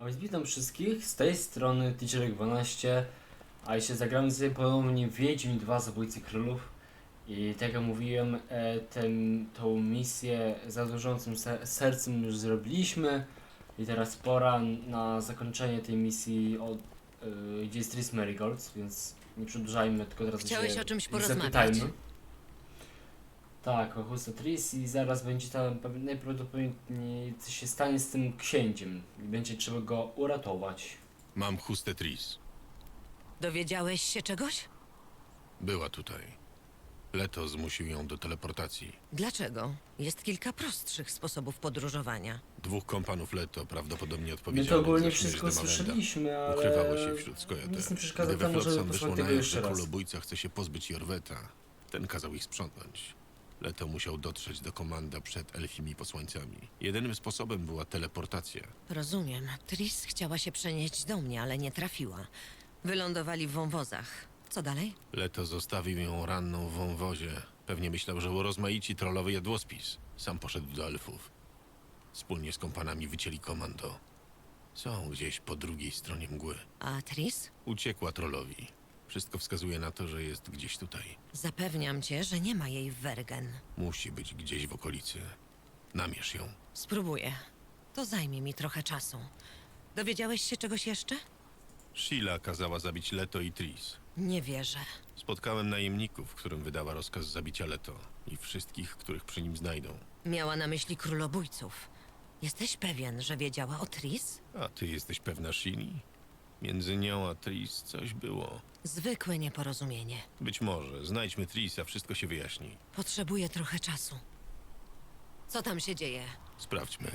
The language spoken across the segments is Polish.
A więc witam wszystkich, z tej strony Teacherek12, a jeszcze zagramy sobie ponownie Wiedźmin 2 Zabójcy Królów. I tak jak mówiłem, tą misję zadłużającym sercem już zrobiliśmy. I teraz pora na zakończenie tej misji, gdzie jest Triss Merigold, więc nie przedłużajmy, tylko teraz Chciałeś się o czymś ich porozmawiać? zapytajmy. Tak, o Husto Triss i zaraz będzie tam najprawdopodobniej coś się stanie z tym księciem i będzie trzeba go uratować. Mam chustę Triss. Dowiedziałeś się czegoś? Była tutaj. Leto zmusił ją do teleportacji. Dlaczego? Jest kilka prostszych sposobów podróżowania. Dwóch kompanów Leto prawdopodobnie My to odpowiedzialnych ogólnie za śmierć wszystko Demawenda słyszeliśmy, ale ukrywało się wśród Skojatel. nic nie przeszkadza Gdy we temu, żeby Flotsam wyszło posłuchać na tego jaw, jeszcze że raz. królobójca chce się pozbyć Jorweta, ten kazał ich sprzątnąć. Leto musiał dotrzeć do komanda przed elfimi posłańcami. Jedynym sposobem była teleportacja. Rozumiem. Triss chciała się przenieść do mnie, ale nie trafiła. Wylądowali w wąwozach. Co dalej? Leto zostawił ją ranną w wąwozie. Pewnie myślał, że urozmaici trollowy jadłospis. Sam poszedł do elfów. Wspólnie z kompanami wycięli komando. Są gdzieś po drugiej stronie mgły. A Triss? Uciekła trollowi. Wszystko wskazuje na to, że jest gdzieś tutaj. Zapewniam cię, że nie ma jej w Wergen. Musi być gdzieś w okolicy. Namierz ją. Spróbuję. To zajmie mi trochę czasu. Dowiedziałeś się czegoś jeszcze? Sheila kazała zabić Leto i Triss. Nie wierzę. Spotkałem najemników, którym wydała rozkaz zabicia Leto i wszystkich, których przy nim znajdą. Miała na myśli królobójców. Jesteś pewien, że wiedziała o Triss? A ty jesteś pewna Sheili? Między nią a Triss coś było. Zwykłe nieporozumienie. Być może. Znajdźmy Triss, a wszystko się wyjaśni. Potrzebuję trochę czasu. Co tam się dzieje? Sprawdźmy.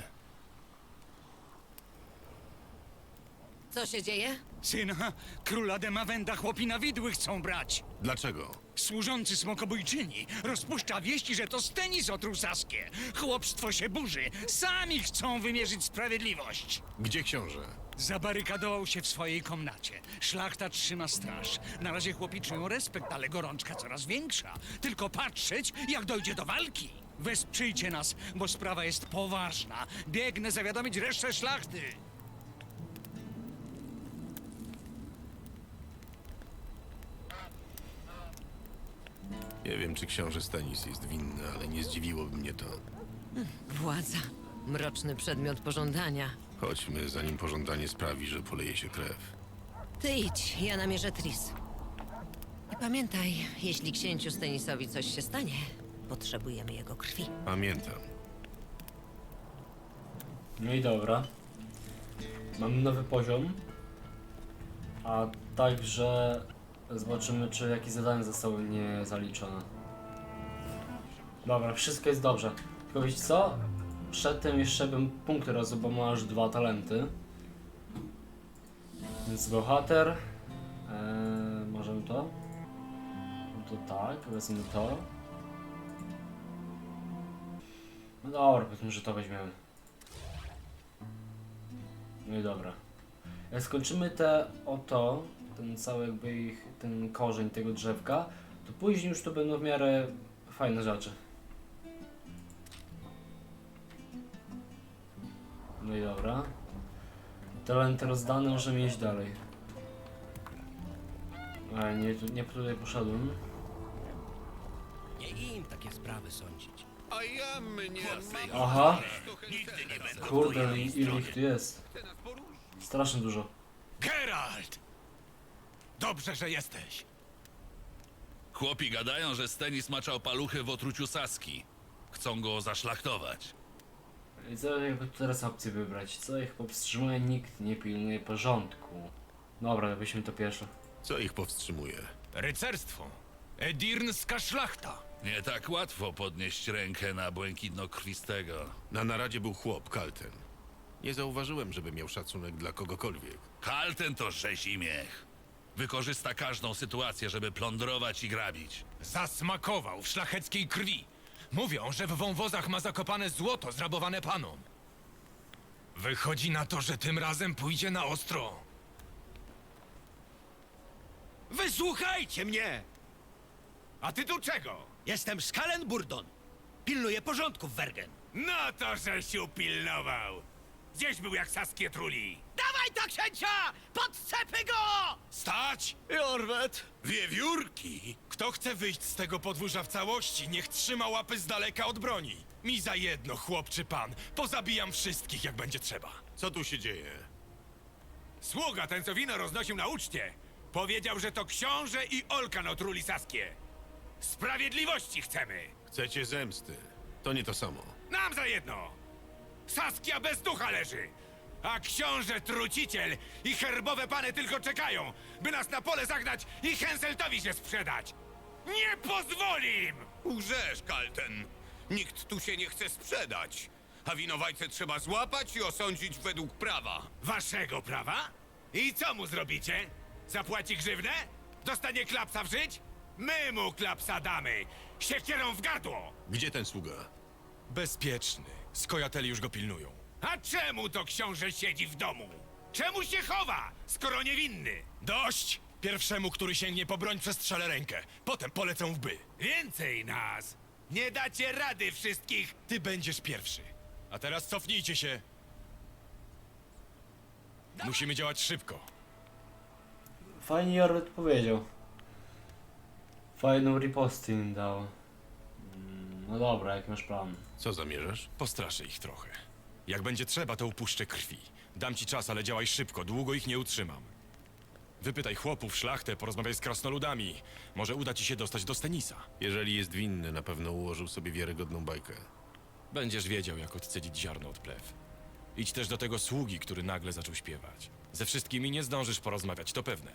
Co się dzieje? Syna, króla Demawenda chłopina widły chcą brać. Dlaczego? Służący smokobójczyni rozpuszcza wieści, że to Stennis otruł Saskię. Chłopstwo się burzy. Sami chcą wymierzyć sprawiedliwość. Gdzie książę? Zabarykadował się w swojej komnacie. Szlachta trzyma straż. Na razie chłopi czują respekt, ale gorączka coraz większa. Tylko patrzeć, jak dojdzie do walki. Wesprzyjcie nas, bo sprawa jest poważna. Biegnę zawiadomić resztę szlachty. Nie wiem, czy książę Stennis jest winny, ale nie zdziwiłoby mnie to. Władza. Mroczny przedmiot pożądania. Chodźmy, zanim pożądanie sprawi, że poleje się krew. Ty idź, ja namierzę Triss. I pamiętaj, jeśli księciu Stennisowi coś się stanie, potrzebujemy jego krwi. Pamiętam. No i dobra. Mamy nowy poziom. A także zobaczymy, czy jakieś zadania zostały niezaliczone. Dobra, wszystko jest dobrze. Tylko wiecie co? Przedtem jeszcze bym punkty rozdał, bo ma aż 2 talenty. Więc bohater. Możemy to? No to tak, wezmę to. No dobra, powiedzmy, że to weźmiemy. No i dobra. Jak skończymy ten cały jakby ten korzeń tego drzewka, to później już to będą w miarę fajne rzeczy. No i dobra. Talenty rozdane, możemy iść dalej. Ale nie tutaj poszedłem. Nie im takie sprawy sądzić. A ja mnie... Aha! Nigdy nie będę Kurde, ile ich tu jest. Strasznie dużo. Geralt! Dobrze, że jesteś. Chłopi gadają, że Stennis maczał paluchy w otruciu Saski. Chcą go zaszlachtować. I co jakby tu teraz opcję wybrać? Co ich powstrzymuje? Nikt nie pilnuje porządku. Dobra, weźmy to pierwsze. Co ich powstrzymuje? Rycerstwo. Edirnska szlachta. Nie tak łatwo podnieść rękę na błękitnokrwistego. Na naradzie był chłop, Kalten. Nie zauważyłem, żeby miał szacunek dla kogokolwiek. Kalten to rzezimiech. Wykorzysta każdą sytuację, żeby plądrować i grabić. Zasmakował w szlacheckiej krwi. Mówią, że w wąwozach ma zakopane złoto zrabowane panom. Wychodzi na to, że tym razem pójdzie na ostro. Wysłuchajcie mnie! A ty tu czego? Jestem Skalen Burdon. Pilnuję porządku w Wergen. No to, żeś upilnował. Gdzieś był jak Saskię truli. Dawaj! Dawaj ta księcia! Podcepy go! Stać! Jorwet! Wiewiórki! Kto chce wyjść z tego podwórza w całości, niech trzyma łapy z daleka od broni. Mi za jedno, chłop czy pan. Pozabijam wszystkich, jak będzie trzeba. Co tu się dzieje? Sługa, ten co wino roznosił na uczcie, powiedział, że to książę i Olkan otruli Saskię. Sprawiedliwości chcemy! Chcecie zemsty. To nie to samo. Nam za jedno! Saskia bez ducha leży! A książę truciciel i herbowe pany tylko czekają, by nas na pole zagnać i Henseltowi się sprzedać! Nie pozwolim! Łżesz, Kalten. Nikt tu się nie chce sprzedać. A winowajcę trzeba złapać i osądzić według prawa. Waszego prawa? I co mu zrobicie? Zapłaci grzywnę? Dostanie klapsa w żyć? My mu klapsa damy! Siekierą w gardło! Gdzie ten sługa? Bezpieczny. Skojateli już go pilnują. A czemu to książę siedzi w domu? Czemu się chowa, skoro niewinny? Dość! Pierwszemu, który sięgnie po broń, przestrzelę rękę. Potem polecę w by. Więcej nas! Nie dacie rady wszystkich! Ty będziesz pierwszy. A teraz cofnijcie się. Musimy działać szybko. Fajnie Jorwet powiedział. Fajną ripostę im dał. No dobra, jak masz plan? Co zamierzasz? Postraszę ich trochę. Jak będzie trzeba, to upuszczę krwi. Dam ci czas, ale działaj szybko, długo ich nie utrzymam. Wypytaj chłopów, szlachtę, porozmawiaj z krasnoludami. Może uda ci się dostać do Stenisa. Jeżeli jest winny, na pewno ułożył sobie wiarygodną bajkę. Będziesz wiedział, jak odcedzić ziarno od plew. Idź też do tego sługi, który nagle zaczął śpiewać. Ze wszystkimi nie zdążysz porozmawiać, to pewne.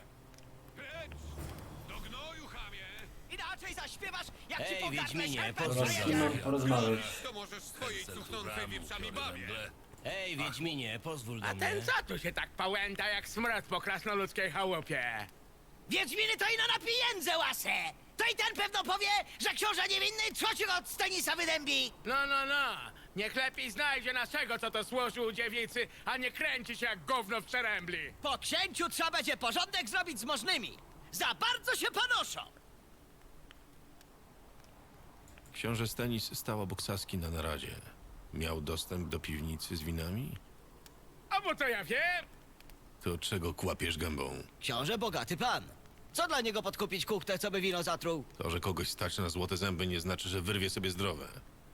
Do gnoju, chamie! Inaczej zaśpiewasz, jak ci Ej, pogarnę Wiedźminie, skarpet pozwól przejedzie. Porozmawiać. To możesz swojej cuchnącej wieprzami bawię. Ej, Wiedźminie, pozwól do A mnie. ten co tu się tak pałęta jak smrad po krasnoludzkiej chałupie? Wiedźminy to ino na pieniądze łasę! To i ten pewno powie, że książę niewinny trzociu od Stenisa wydębi! No, niech lepiej znajdzie naszego, co to służył u dziewicy, a nie kręci się jak gówno w przerębli. Po księciu trzeba będzie porządek zrobić z możnymi. Za bardzo się panoszą! Książę Stenis stał obok Saski na naradzie. Miał dostęp do piwnicy z winami? A bo to ja wiem. To czego kłapiesz gębą? Książę bogaty pan. Co dla niego podkupić kuchtę, co by wino zatruł? To, że kogoś stać na złote zęby, nie znaczy, że wyrwie sobie zdrowe.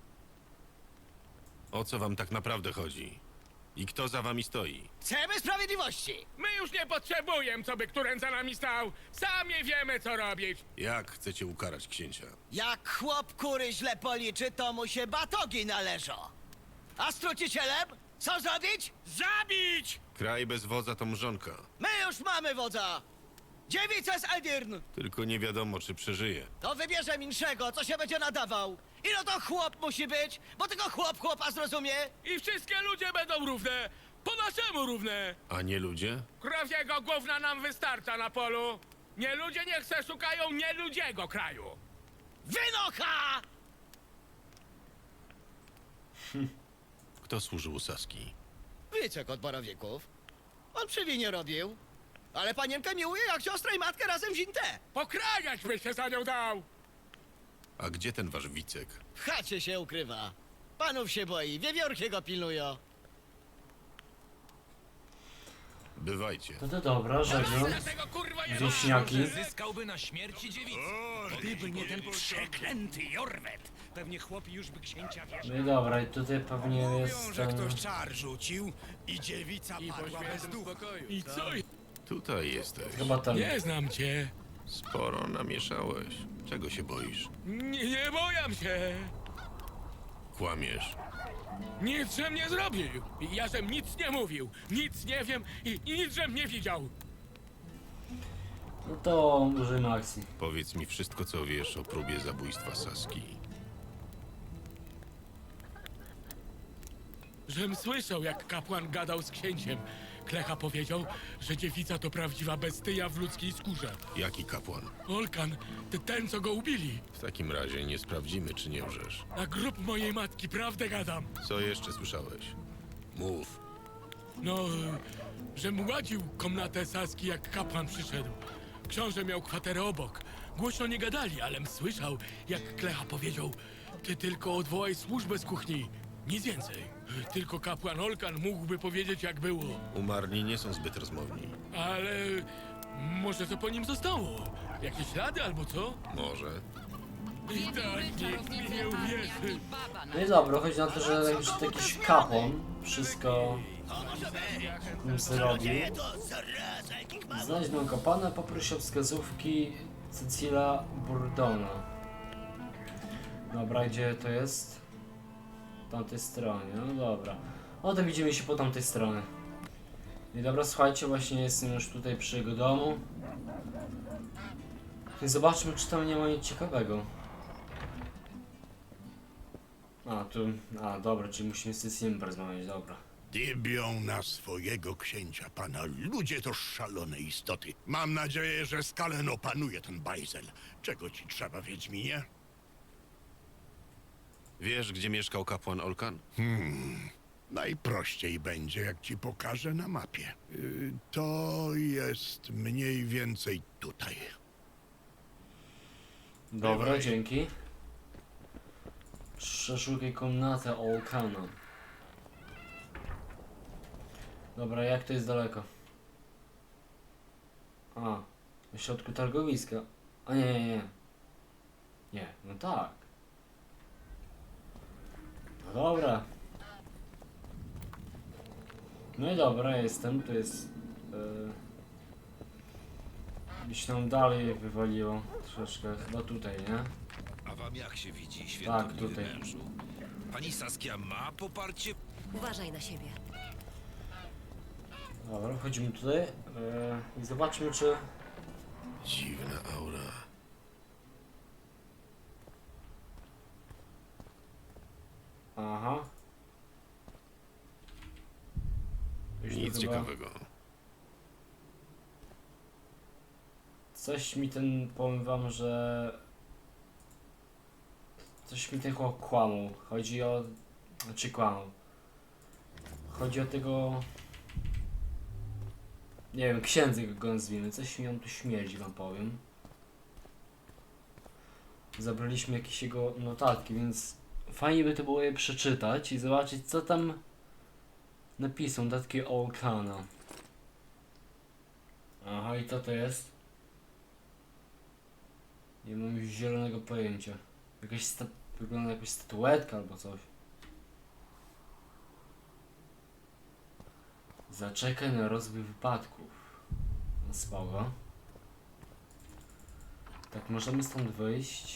O co wam tak naprawdę chodzi? I kto za wami stoi? Chcemy sprawiedliwości! My już nie potrzebujemy, co by któren za nami stał. Sami wiemy, co robić. Jak chcecie ukarać księcia? Jak chłop kury źle policzy, to mu się batogi należą. A z trucicielem? Co zrobić? Zabić! Kraj bez wodza to mrzonka. My już mamy wodza! Dziewica z Eldirn! Tylko nie wiadomo, czy przeżyje. To wybierze inszego, co się będzie nadawał. Ino to chłop musi być, bo tylko chłop chłopa zrozumie. I wszystkie ludzie będą równe. Po naszemu równe. A nie ludzie? Krowiego gówna nam wystarcza na polu. Nie ludzie niech se szukają nieludziego kraju. Wynocha! Kto służył u Saski? Wicek od borowików. On przy winie robił. Ale panienkę miłuje jak siostrę i matkę razem wzięte. Pokrajać by się za nią dał. A gdzie ten wasz Wicek? W chacie się ukrywa. Panów się boi, wiewiórki go pilnują. Bywajcie. No to dobra, żegnam. Tego kurwa nie Wieśniaki. Zyskałby na śmierci dziewicy. Gdyby nie ten przeklęty Jorwet, pewnie chłopi już by księcia wierzył. No i dobra, i tutaj pewnie jest ten... czar rzucił i dziewica padła bez ducha. I co? Tutaj jesteś. Chyba ten. Nie znam cię. Sporo namieszałeś. Czego się boisz? Nie boję się. Kłamiesz. Nic żem nie zrobił. Ja żem nic nie mówił. Nic nie wiem i nic żem nie widział. No to użyjmy akcji. Powiedz mi wszystko, co wiesz o próbie zabójstwa Saski. Żem słyszał, jak kapłan gadał z księciem. Klecha powiedział, że dziewica to prawdziwa bestia w ludzkiej skórze. Jaki kapłan? Olkan, ten co go ubili. W takim razie nie sprawdzimy, czy nie łżesz. Na grób mojej matki prawdę gadam. Co jeszcze słyszałeś? Mów. No, żem ładził komnatę Saski, jak kapłan przyszedł. Książę miał kwaterę obok. Głośno nie gadali, alem słyszał, jak Klecha powiedział: ty tylko odwołaj służbę z kuchni, nic więcej. Tylko kapłan Olkan mógłby powiedzieć, jak było. Umarli nie są zbyt rozmowni. Ale może co po nim zostało? Jakieś ślady albo co? Może. I tak nikt mi nie uwierzy. No i dobra, chodzi na to, że już to jakiś kapłan wszystko zrobił. Znajdź mojego kapłana, poproś o wskazówki Cecila Burdona. Dobra, gdzie to jest? W tamtej stronie, no dobra. No to widzimy się po tamtej stronie. I dobra, słuchajcie, właśnie jestem już tutaj przy jego domu. I zobaczmy, czy tam nie ma nic ciekawego. Dobra, czyli musimy z Cecilem porozmawiać, dobra. Dybią na swojego księcia, pana. Ludzie to szalone istoty. Mam nadzieję, że Skalen opanuje ten bajzel. Czego ci trzeba, Wiedźminie? Wiesz, gdzie mieszkał kapłan Olkan? Najprościej będzie, jak ci pokażę na mapie. To jest mniej więcej tutaj. Dobra, Bywaj. dzięki. Przeszukaj komnatę Olkana. Dobra, jak to jest daleko? W środku targowiska. Nie. Nie, no tak. No dobra. No i dobra, jestem, tu jest... Gdzieś tam dalej wywaliło troszeczkę, chyba tutaj, nie? A wam jak się widzi, Tak, świętobliwy tutaj. mężu? Pani Saskia ma poparcie? Uważaj na siebie. Dobra, wchodzimy tutaj i zobaczmy, czy... Dziwna aura. Aha. Już tu Nic chyba- ciekawego. Coś mi powiem wam, że... Coś mi ten chłop kłamał. Chodzi o... Znaczy kłamał. Chodzi o tego... Nie wiem, księdza go nazwijmy. Coś mi on tu śmierdzi, wam powiem. Zabraliśmy jakieś jego notatki, więc fajnie by to było je przeczytać i zobaczyć, co tam napisał notatki Olkana. Aha, i co to jest? Nie mam już zielonego pojęcia. Wygląda jakaś statuetka albo coś. Zaczekaj na rozwój wypadków. No spoko. Tak, możemy stąd wyjść.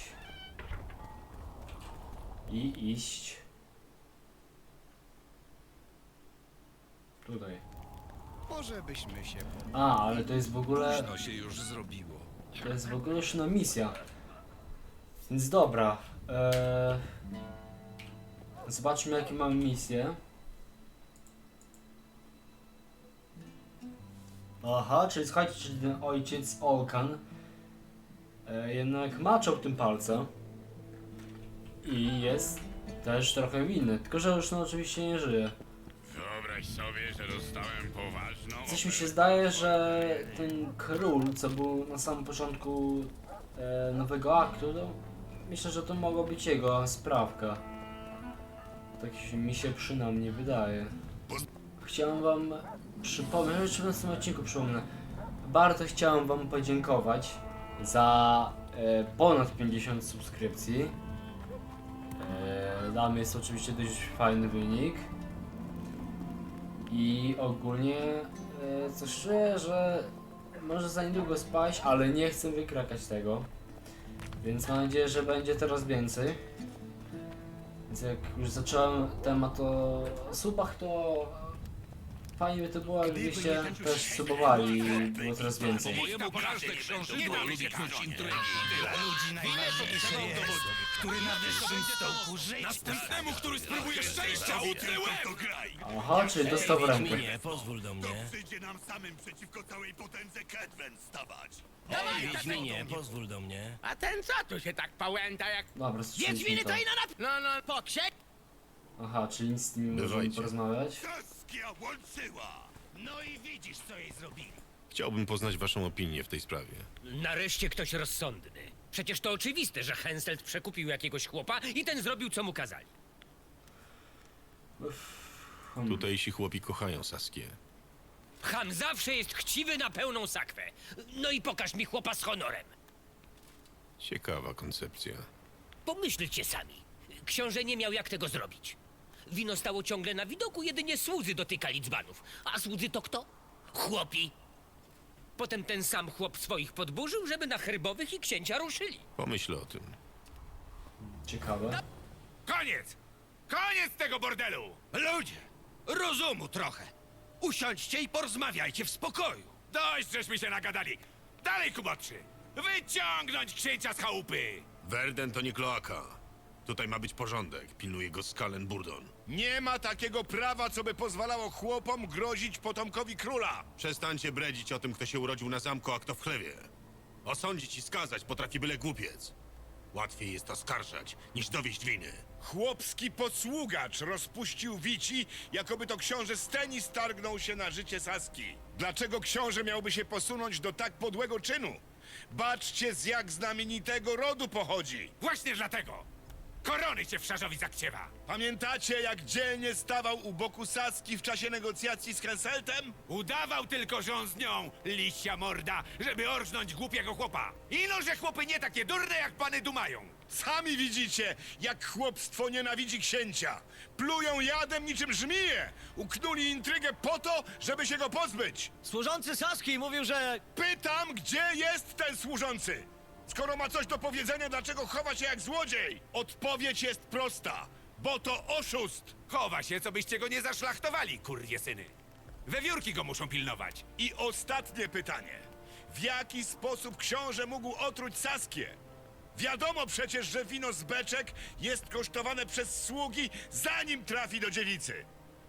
I iść. Tutaj. Może byśmy się... Ale to jest w ogóle... Późno się już zrobiło. To jest w ogóle już misja. Więc dobra. Zobaczmy, jakie mamy misje. Aha, czyli słuchajcie, czyli ten ojciec Olkan jednak maczał tym palcem. I jest też trochę winny. Tylko, że już oczywiście nie żyje. Wyobraź sobie, że dostałem poważną... Coś mi się zdaje, że ten król, co był na samym początku nowego aktu, to myślę, że to mogła być jego sprawka. Tak mi się przynajmniej wydaje. Chciałem wam przypomnieć, jeszcze w następnym odcinku przypomnę. Bardzo chciałem wam podziękować za ponad 50 subskrypcji. Dla mnie jest oczywiście dość fajny wynik. I ogólnie coś czuję, że może za niedługo spaść, ale nie chcę wykrakać tego. Więc mam nadzieję, że będzie teraz więcej. Więc jak już zacząłem temat o subach, to fajnie by to było, jakbyście też subowali i było coraz więcej. Mojemu każde książęło lubi knuć intrygi. Ludzi najważniejsze jest, który na wyższym stołku żyć. Następnemu, który spróbuje szczęścia, utnę łeb! Aha, czyli dostał w rękę. Wiedźminie, pozwól do mnie. Przyjdzie nam samym przeciwko całej potędze Kedwen stawać. Wiedźminie, pozwól do mnie. A ten co tu się tak pałęta jak... Dobra, słyszeliśmy Wiedźminy to. to ino na... No, Poksie... Aha, czyli nic z nimi możemy Bywajcie. porozmawiać. Saskia łączyła! No i widzisz, co jej zrobili. Chciałbym poznać waszą opinię w tej sprawie. Nareszcie ktoś rozsądny. Przecież to oczywiste, że Henselt przekupił jakiegoś chłopa i ten zrobił, co mu kazali. Tutejsi chłopi kochają Saskię. Han zawsze jest chciwy na pełną sakwę. No i pokaż mi chłopa z honorem. Ciekawa koncepcja. Pomyślcie sami. Książę nie miał jak tego zrobić. Wino stało ciągle na widoku, jedynie słudzy dotykali dzbanów. A słudzy to kto? Chłopi. Potem ten sam chłop swoich podburzył, żeby na herbowych i księcia ruszyli. Pomyśl o tym. Ciekawe. Koniec! Koniec tego bordelu! Ludzie, rozumu trochę. Usiądźcie i porozmawiajcie w spokoju. Dość, żeśmy się nagadali. Dalej, kubotrzy! Wyciągnąć księcia z chałupy! Werden to nie kloaka. Tutaj ma być porządek. Pilnuje go Skalen Burdon. Nie ma takiego prawa, co by pozwalało chłopom grozić potomkowi króla. Przestańcie bredzić o tym, kto się urodził na zamku, a kto w chlewie. Osądzić i skazać potrafi byle głupiec. Łatwiej jest oskarżać, niż dowieść winy. Chłopski posługacz rozpuścił wici, jakoby to książę Stenis targnął się na życie Saski. Dlaczego książę miałby się posunąć do tak podłego czynu? Baczcie, z jak znamienitego rodu pochodzi. Właśnie dlatego! Korony cię w szarzowi zakciewa! Pamiętacie, jak dzielnie stawał u boku Saski w czasie negocjacji z Henseltem? Udawał tylko, że on z nią, liścia morda, żeby orżnąć głupiego chłopa. Ino, że chłopy nie takie durne, jak pany dumają. Sami widzicie, jak chłopstwo nienawidzi księcia. Plują jadem niczym żmije. Uknuli intrygę po to, żeby się go pozbyć. Służący Saski mówił, że... Pytam, gdzie jest ten służący? Skoro ma coś do powiedzenia, dlaczego chowa się jak złodziej? Odpowiedź jest prosta, bo to oszust. Chowa się, co byście go nie zaszlachtowali, kurwie syny. Wewiórki go muszą pilnować. I ostatnie pytanie. W jaki sposób książę mógł otruć Saskię? Wiadomo przecież, że wino z beczek jest kosztowane przez sługi, zanim trafi do dziewicy.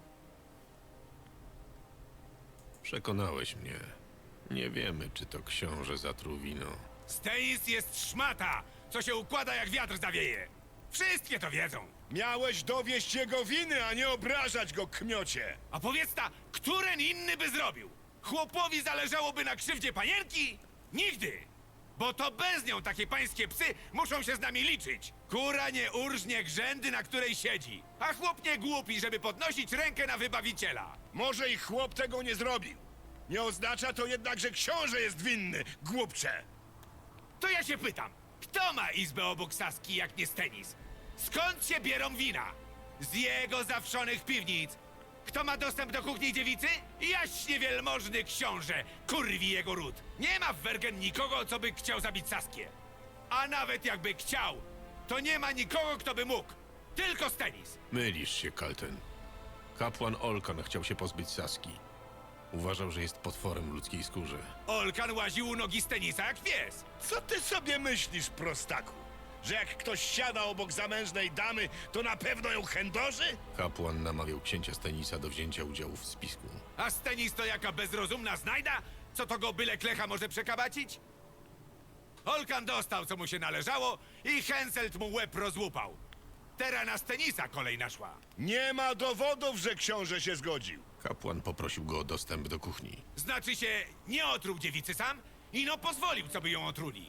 Przekonałeś mnie. Nie wiemy, czy to książę zatruł wino. Stenis jest szmata, co się układa jak wiatr zawieje. Wszystkie to wiedzą. Miałeś dowieść jego winy, a nie obrażać go, kmiocie. A powiedz ta, któren inny by zrobił? Chłopowi zależałoby na krzywdzie panienki? Nigdy! Bo to bez nią takie pańskie psy muszą się z nami liczyć. Kura nie urżnie grzędy, na której siedzi. A chłop nie głupi, żeby podnosić rękę na wybawiciela. Może i chłop tego nie zrobił. Nie oznacza to jednak, że książę jest winny, głupcze. To ja się pytam, kto ma izbę obok Saski, jak nie Stenis? Skąd się bierą wina? Z jego zawszonych piwnic. Kto ma dostęp do kuchni dziewicy? Jaśnie wielmożny książę, kurwi jego ród. Nie ma w Wergen nikogo, co by chciał zabić Saskię. A nawet jakby chciał, to nie ma nikogo, kto by mógł. Tylko Stenis. Mylisz się, Kalten. Kapłan Olkan chciał się pozbyć Saski. Uważał, że jest potworem w ludzkiej skórze. Olkan łaził u nogi Stenisa jak pies. Co ty sobie myślisz, prostaku? Że jak ktoś siada obok zamężnej damy, to na pewno ją chędoży? Kapłan namawiał księcia Stenisa do wzięcia udziału w spisku. A Stenis to jaka bezrozumna znajda? Co to go byle klecha może przekabacić? Olkan dostał, co mu się należało i Henselt mu łeb rozłupał. Teraz na Stenisa kolej naszła. Nie ma dowodów, że książę się zgodził. Kapłan poprosił go o dostęp do kuchni. Znaczy się, nie otruł dziewicy sam i no pozwolił, co by ją otruli.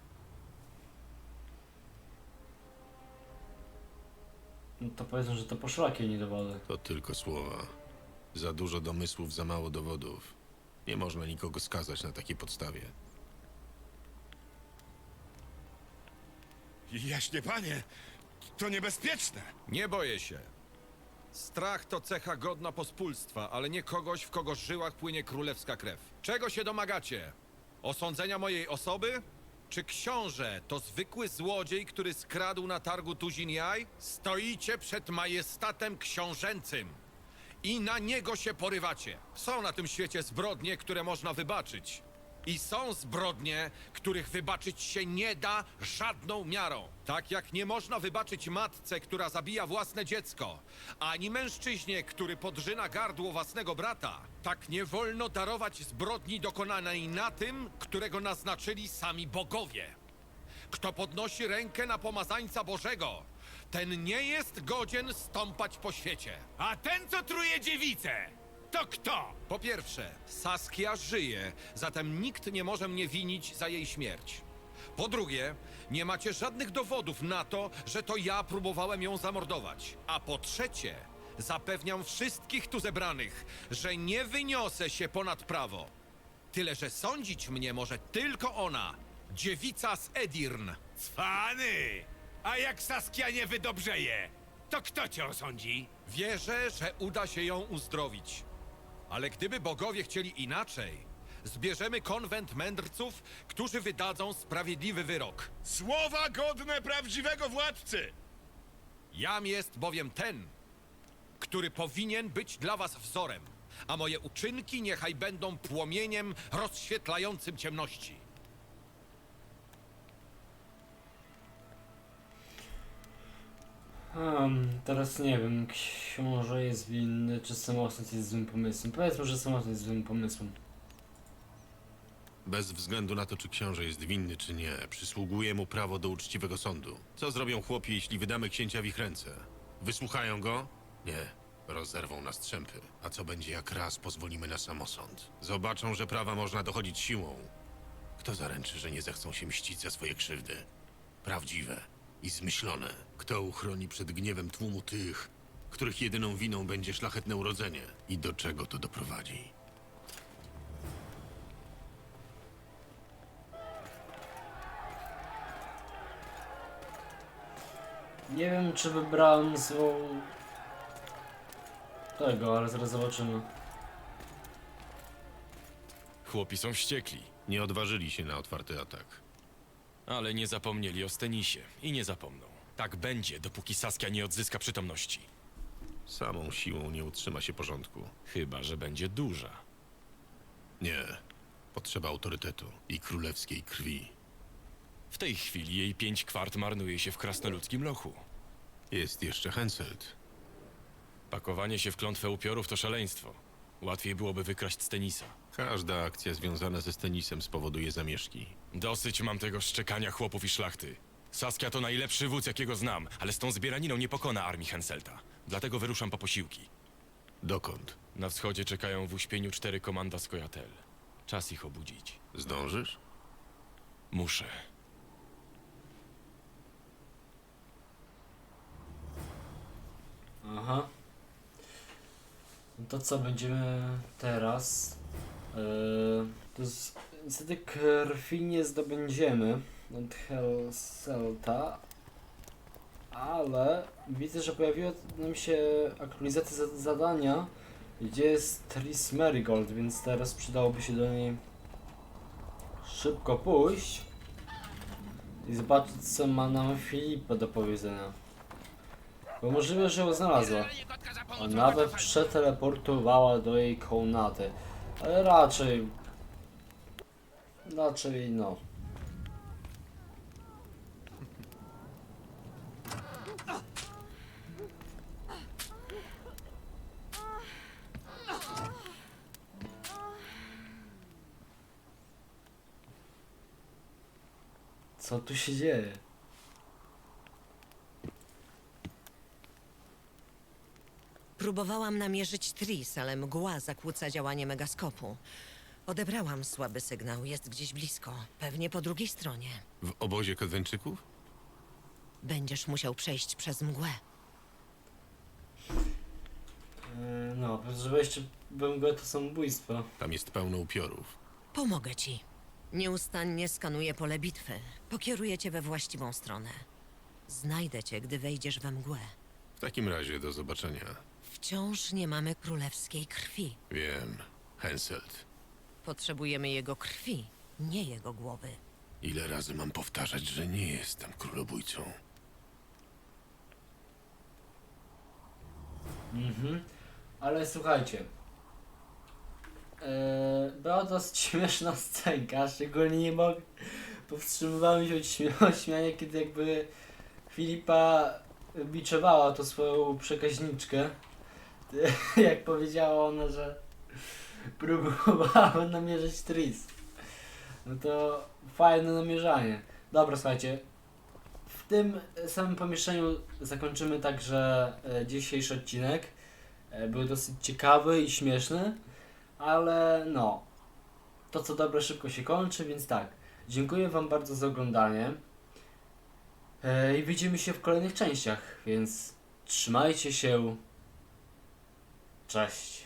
No to powiedzą, że to poszlakie, nie dowody. To tylko słowa. Za dużo domysłów, za mało dowodów. Nie można nikogo skazać na takiej podstawie. Jaśnie panie, to niebezpieczne. Nie boję się. Strach to cecha godna pospólstwa, ale nie kogoś, w kogo żyłach płynie królewska krew. Czego się domagacie? Osądzenia mojej osoby? Czy książę to zwykły złodziej, który skradł na targu tuzin jaj? Stoicie przed majestatem książęcym i na niego się porywacie. Są na tym świecie zbrodnie, które można wybaczyć. I są zbrodnie, których wybaczyć się nie da żadną miarą. Tak jak nie można wybaczyć matce, która zabija własne dziecko, ani mężczyźnie, który podrzyna gardło własnego brata, tak nie wolno darować zbrodni dokonanej na tym, którego naznaczyli sami bogowie. Kto podnosi rękę na pomazańca Bożego, ten nie jest godzien stąpać po świecie. A ten, co truje dziewicę, to kto? Po pierwsze, Saskia żyje, zatem nikt nie może mnie winić za jej śmierć. Po drugie, nie macie żadnych dowodów na to, że to ja próbowałem ją zamordować. A po trzecie, Zapewniam wszystkich tu zebranych, że nie wyniosę się ponad prawo. Tyle, że sądzić mnie może tylko ona, dziewica z Edirn. Cwany! A jak Saskia nie wydobrzeje, to kto cię osądzi? Wierzę, że uda się ją uzdrowić. Ale gdyby bogowie chcieli inaczej, zbierzemy konwent mędrców, którzy wydadzą sprawiedliwy wyrok. Słowa godne prawdziwego władcy! Jam jest bowiem ten, który powinien być dla was wzorem, a moje uczynki niechaj będą płomieniem rozświetlającym ciemności. Teraz nie wiem, książę jest winny, czy samosąd jest złym pomysłem. Powiedzmy, że samosąd jest złym pomysłem. Bez względu na to, czy książę jest winny, czy nie, przysługuje mu prawo do uczciwego sądu. Co zrobią chłopi, jeśli wydamy księcia w ich ręce? Wysłuchają go? Nie. Rozerwą na strzępy. A co będzie, jak raz pozwolimy na samosąd? Zobaczą, że prawa można dochodzić siłą. Kto zaręczy, że nie zechcą się mścić za swoje krzywdy? Prawdziwe i zmyślone. Kto uchroni przed gniewem tłumu tych, których jedyną winą będzie szlachetne urodzenie? I do czego to doprowadzi? Nie wiem, czy wybrałem złą tego, ale zaraz zobaczymy. Chłopi są wściekli, Nie odważyli się na otwarty atak. ale nie zapomnieli o Stenisie i nie zapomną. Tak będzie, dopóki Saskia nie odzyska przytomności. Samą siłą nie utrzyma się porządku. Chyba że będzie duża. Nie. Potrzeba autorytetu i królewskiej krwi. W tej chwili jej 5 kwart marnuje się w krasnoludzkim lochu. Jest jeszcze Henselt. Pakowanie się w klątwę upiorów to szaleństwo. Łatwiej byłoby wykraść Stenisa. Każda akcja związana ze Stenisem spowoduje zamieszki. Dosyć mam tego szczekania chłopów i szlachty. Saskia to najlepszy wódz, jakiego znam, ale z tą zbieraniną nie pokona armii Henselta. Dlatego wyruszam po posiłki. Dokąd? Na wschodzie czekają w uśpieniu 4 komanda Skojatel. Czas ich obudzić. Zdążysz? Muszę. Aha. No to co będziemy teraz? To niestety krwi nie zdobędziemy od Henselta, ale widzę, że pojawiła nam się aktualizacja zadania, gdzie jest Tris Merigold, więc teraz przydałoby się do niej szybko pójść i zobaczyć, co ma nam Filipa do powiedzenia. Bo możliwe, że ją znalazła, a nawet przeteleportowała do jej komnaty, ale raczej no. Co tu się dzieje? Próbowałam namierzyć Tris, ale mgła zakłóca działanie megaskopu. Odebrałam słaby sygnał, jest gdzieś blisko, pewnie po drugiej stronie. W obozie Kadweńczyków? Będziesz musiał przejść przez mgłę. No, że wejście we mgłę to samobójstwo. Tam jest pełno upiorów. Pomogę ci. Nieustannie skanuję pole bitwy. Pokieruję cię we właściwą stronę. Znajdę cię, gdy wejdziesz we mgłę. W takim razie do zobaczenia. Wciąż nie mamy królewskiej krwi. Wiem. Henselt. Potrzebujemy jego krwi, nie jego głowy. Ile razy mam powtarzać, że nie jestem królobójcą? Ale słuchajcie. Była dosyć śmieszna scenka, szczególnie nie mogę. Powstrzymywałem się od śmiania, kiedy jakby Filipa biczowała to swoją przekaźniczkę. Jak powiedziała ona, że próbowała namierzyć Tris. No to fajne namierzanie. Dobra, słuchajcie. W tym samym pomieszczeniu zakończymy także dzisiejszy odcinek. Był dosyć ciekawy i śmieszny, ale no, to co dobre szybko się kończy, więc tak. Dziękuję wam bardzo za oglądanie i widzimy się w kolejnych częściach, więc trzymajcie się, Cześć.